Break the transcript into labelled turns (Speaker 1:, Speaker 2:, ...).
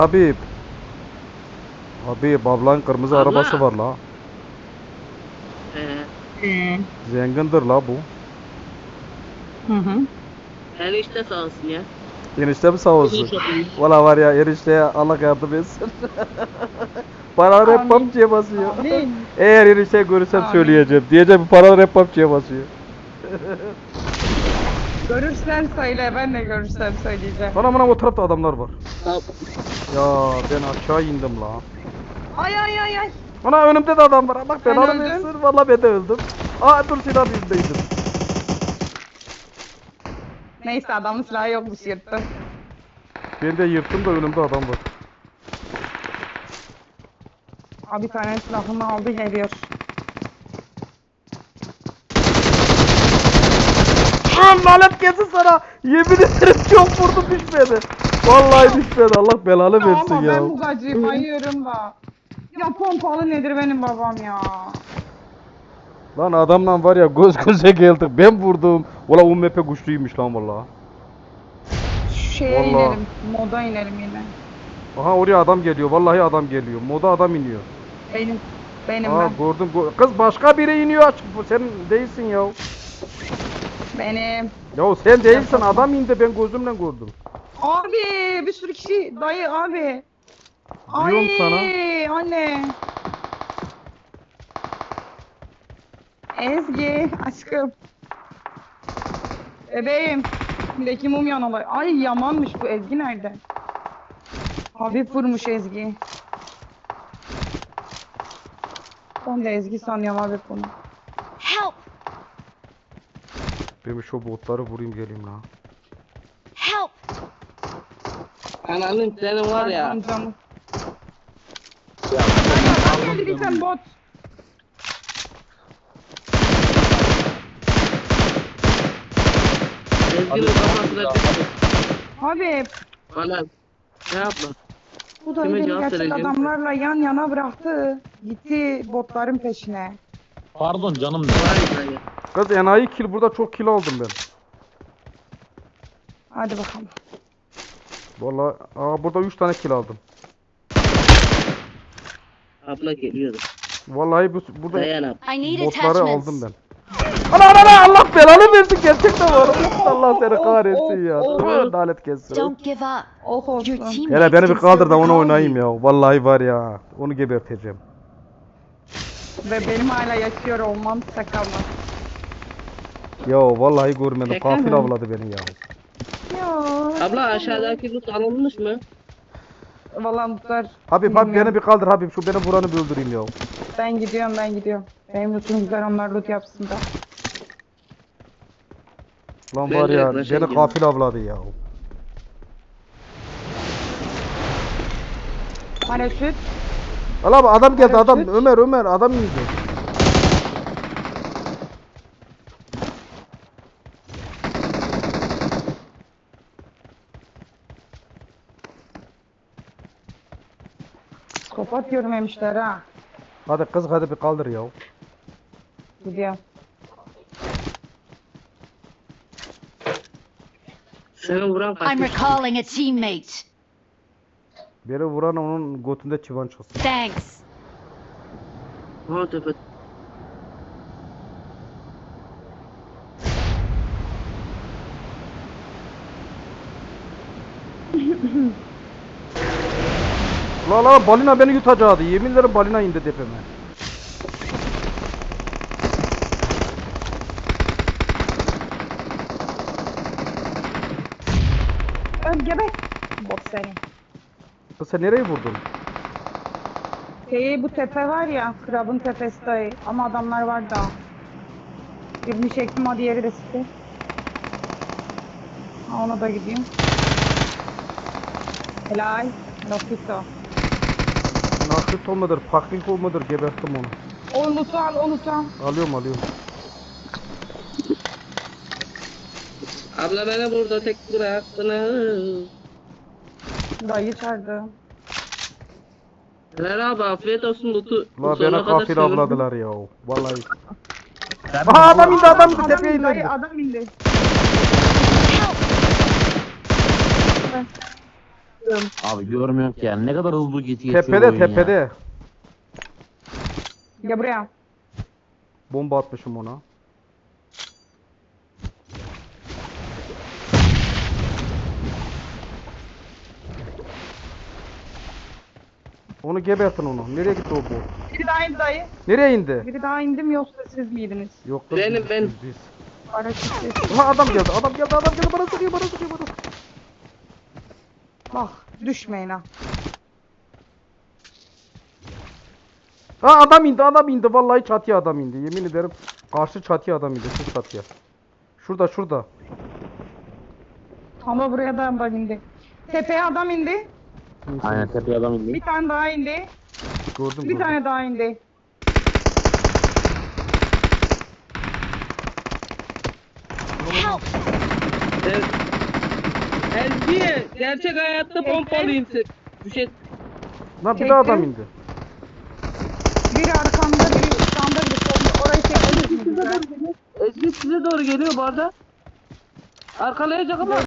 Speaker 1: Habib. Habib ablanın kırmızı
Speaker 2: Abla.
Speaker 1: arabası var la. Zengindir la bu.
Speaker 3: Hı hı.
Speaker 2: Enişte sağ olsun ya.
Speaker 1: Enişte mi sağ olsun? Valla var ya enişteye Allah yardım etsin. Paralar hep
Speaker 3: Amin.
Speaker 1: PUBG'ye basıyor.
Speaker 3: Amin.
Speaker 1: Eğer enişteyi görürsem
Speaker 3: Amin.
Speaker 1: söyleyeceğim. Diyeceğim paralar hep PUBG'ye basıyor.
Speaker 3: Görürsen söyle, ben de görürsem söyleyeceğim.
Speaker 1: Bana o tarafta adamlar var.
Speaker 2: Tamam.
Speaker 1: Ya ben aşağı indim la.
Speaker 3: Ay ay ay ay.
Speaker 1: Ana önümde de adam var. Allah
Speaker 3: Ben
Speaker 1: belanı
Speaker 3: öldüm.
Speaker 1: versin. Valla ben de öldüm. Aa dur silah yüzdeydim.
Speaker 3: Neyse adamın silahı yokmuş yırttı.
Speaker 1: Ben de yırttım da önümde adam var.
Speaker 3: Abi bir tane silahını aldı geliyor.
Speaker 1: Lan lanet gelsin sana. Yemin ederim çok vurdum düşmedi. Vallahi düşmedi. Allah belanı versin
Speaker 3: Ama
Speaker 1: ya.
Speaker 3: ben bugacıyım ayıyorum da. Ya pompalı nedir benim babam ya.
Speaker 1: Lan adamla var ya göz göze geldik. Ben vurdum. Valla o mepe güçlüymüş lan valla.
Speaker 3: Şeye
Speaker 1: Vallahi.
Speaker 3: inelim. Moda inelim yine.
Speaker 1: Aha oraya adam geliyor. Vallahi adam geliyor. Moda adam iniyor.
Speaker 3: Benim
Speaker 1: Aa
Speaker 3: ben.
Speaker 1: gördüm. Kız başka biri iniyor. Açık. Sen değilsin ya.
Speaker 3: Benim.
Speaker 1: Ya sen değilsin. Adam indi. Ben gözümle gördüm.
Speaker 3: Abi bir sürü kişi dayı abi.
Speaker 1: Diyorum sana.
Speaker 3: Anne. Ezgi aşkım. Bebeğim. Şimdiki mum yanalı. Ay yamanmış bu Ezgi nerede? Hafif vurmuş Ezgi. Ben de Ezgi sanıyorum abi bunu.
Speaker 4: Help!
Speaker 1: Ben şu botları vurayım geleyim lan.
Speaker 4: Help!
Speaker 2: Ananın senin var ya.
Speaker 3: Amcamı. Adam geldi bir tane bot.
Speaker 2: Ezgi'nin kafasına düştü.
Speaker 3: Abi
Speaker 2: Bana ne yapma?
Speaker 3: bu da
Speaker 2: Kime
Speaker 3: beni
Speaker 2: cevap
Speaker 3: gerçek
Speaker 2: vereceğim?
Speaker 3: adamlarla yan yana bıraktı. Gitti botların peşine.
Speaker 5: Pardon canım.
Speaker 2: Var ya.
Speaker 1: Kız enayi kill burada çok kill aldım ben.
Speaker 3: Hadi bakalım.
Speaker 1: Vallahi burada 3 tane kill aldım.
Speaker 2: Abla geliyordu.
Speaker 1: Vallahi burada
Speaker 2: Dayan abla.
Speaker 4: I need
Speaker 1: botları
Speaker 4: attachments.
Speaker 1: aldım ben. Ana Allah belanı versin gerçekten var. Allah seni kahretsin ya. Lanet gelsin.
Speaker 4: Don't give up.
Speaker 3: Oh
Speaker 4: Your
Speaker 3: olsun.
Speaker 4: teammates
Speaker 1: Hele beni bir
Speaker 4: can
Speaker 1: kaldır da
Speaker 4: still
Speaker 1: onu
Speaker 4: recall
Speaker 1: oynayayım
Speaker 4: you.
Speaker 1: ya. Vallahi var ya. Onu geberteceğim.
Speaker 3: Ve benim hala yaşıyor olmam sakalmaz.
Speaker 1: Ya vallahi görmedim.
Speaker 2: Şaka
Speaker 1: Kafil
Speaker 2: mı?
Speaker 1: avladı beni ya.
Speaker 3: Ya.
Speaker 2: Abla aşağıdaki loot alınmış mı?
Speaker 3: Vallahi mutlar.
Speaker 1: Habib beni bir kaldır Habib. Şu beni vuranı bir öldüreyim ya.
Speaker 3: Ben gidiyorum. Benim lootum güzel onlar loot yapsın da.
Speaker 1: Lan
Speaker 2: Ben
Speaker 1: var
Speaker 2: de
Speaker 1: ya
Speaker 2: yaklaşayım
Speaker 1: beni
Speaker 2: ya.
Speaker 1: kafil avladı ya.
Speaker 3: Paraşüt.
Speaker 1: Allah adam geldi adam.
Speaker 3: Paraşüt.
Speaker 1: Ömer adam indi.
Speaker 3: Psikopat görmemişler ha.
Speaker 1: Hadi kız hadi bir kaldır ya.
Speaker 3: Gidiyorum.
Speaker 2: Seni vuran
Speaker 4: I'm
Speaker 2: kaçmış.
Speaker 4: recalling a teammate.
Speaker 1: Beni vuran onun götünde çıvan çıksın.
Speaker 4: Thanks.
Speaker 2: Ha tepe.
Speaker 1: La balina beni yutacaktı. Yemin ederim balina indi tepeme.
Speaker 3: Gebek. Bot seni.
Speaker 1: Kız sen nereye vurdun?
Speaker 3: Bu tepe var ya, krabın tepesi dayı. Ama adamlar var daha. Birini çektim, o diğeri de sıktı. Ha, ona da gideyim. Helal. Lokito.
Speaker 1: Nakit olmadır, pakling olmadır geberttim onu.
Speaker 3: O loot'u al, o loot'u al.
Speaker 1: Alıyorum.
Speaker 2: Abla beni burada tek bıraktın.
Speaker 3: Dayı çağırdı.
Speaker 2: Helal abi afiyet olsun loot'u.
Speaker 1: La
Speaker 2: sonuna
Speaker 1: beni
Speaker 2: kadar
Speaker 1: kafil
Speaker 2: çevirdim.
Speaker 1: avladılar ya. Vallahi.
Speaker 5: Ben
Speaker 1: Aha adam indi tepeye
Speaker 3: indi, dayı,
Speaker 1: indi.
Speaker 3: adam indi.
Speaker 5: Abi görmüyorum ki yani ne kadar hızlı geçiyor
Speaker 1: Tepede
Speaker 5: oyun ya.
Speaker 1: tepede.
Speaker 3: Gel buraya.
Speaker 1: Bomba atmışım ona. Onu gebertin onu. Nereye gitti o bu?
Speaker 3: Biri daha indi dayı.
Speaker 1: Nereye indi?
Speaker 3: Biri daha indi mi yoksa siz miydiniz?
Speaker 1: Yok da
Speaker 2: Benim,
Speaker 1: biz,
Speaker 2: ben.
Speaker 1: biz.
Speaker 3: Araç sesi.
Speaker 1: Aha adam geldi. Adam geldi. Adam geldi. Bana sıkıyor. Bana sıkıyor. Bana.
Speaker 3: Bak düşmeyin ha.
Speaker 1: Ha adam indi. Adam indi. Vallahi çatıya adam indi. Yemin ederim. Karşı çatıya adam indi. Şu çatıya. Şurada şurada.
Speaker 3: Ama buraya da adam indi. Tepeye adam indi.
Speaker 5: Aynen tepeye adam indi.
Speaker 3: Bir tane daha indi.
Speaker 1: Gördüm
Speaker 3: Bir
Speaker 1: gördüm.
Speaker 3: tane daha indi.
Speaker 4: Help!
Speaker 2: Ezgi gerçek hayatta pompalıyım sen. Düşet.
Speaker 1: Lan bir
Speaker 3: Çektim.
Speaker 1: daha adam indi.
Speaker 3: Biri arkamda, biri sağımda, biri solumda. Orayı çekeriz mi güzel?
Speaker 2: Ezgi size doğru geliyor bu arada. Arkalayacak ama.